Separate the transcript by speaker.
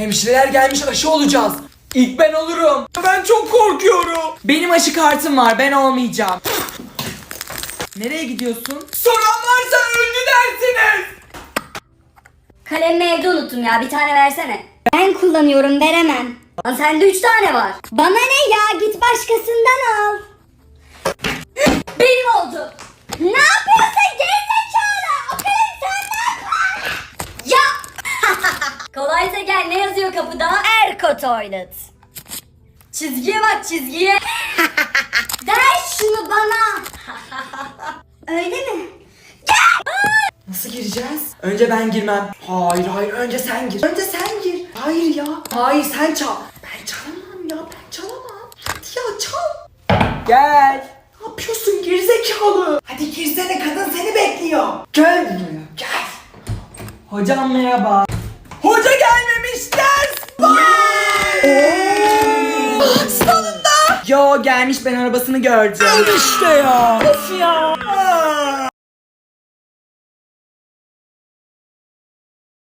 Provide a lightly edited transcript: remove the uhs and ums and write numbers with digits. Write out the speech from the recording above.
Speaker 1: Hemşireler gelmiş, aşı olacağız. İlk ben olurum. Ben çok korkuyorum. Benim aşı kartım var, ben olmayacağım. Nereye gidiyorsun? Soran varsa öldü dersiniz.
Speaker 2: Kalemimi evde unuttum ya, bir tane versene. Ben kullanıyorum, veremem. Lan sende 3 tane var. Bana ne ya, git başkasından al. Benim oldu. Ne yapıyorsun gerizekalı? O kalem senden var. Ya. Kolaysa gel, ne yazıyor kapıda? Erko Toilet. Çizgiye bak, çizgiye. Ver şunu bana. Öyle mi?
Speaker 1: Nasıl gireceğiz? Önce ben girmem. Hayır, önce sen gir. Önce sen gir. Hayır ya. Hayır, sen çal. Ben çalamam ya, ben çalamam. Hadi ya, çal. Gel. Ne yapıyorsun gerizekalı? Hadi girsene, kadın seni bekliyor. Gel buraya, gel. Hocam merhaba. Hoca gelmemiş, ders var. Sonunda. Yo, gelmiş, ben arabasını gördüm. İşte ya. Of ya.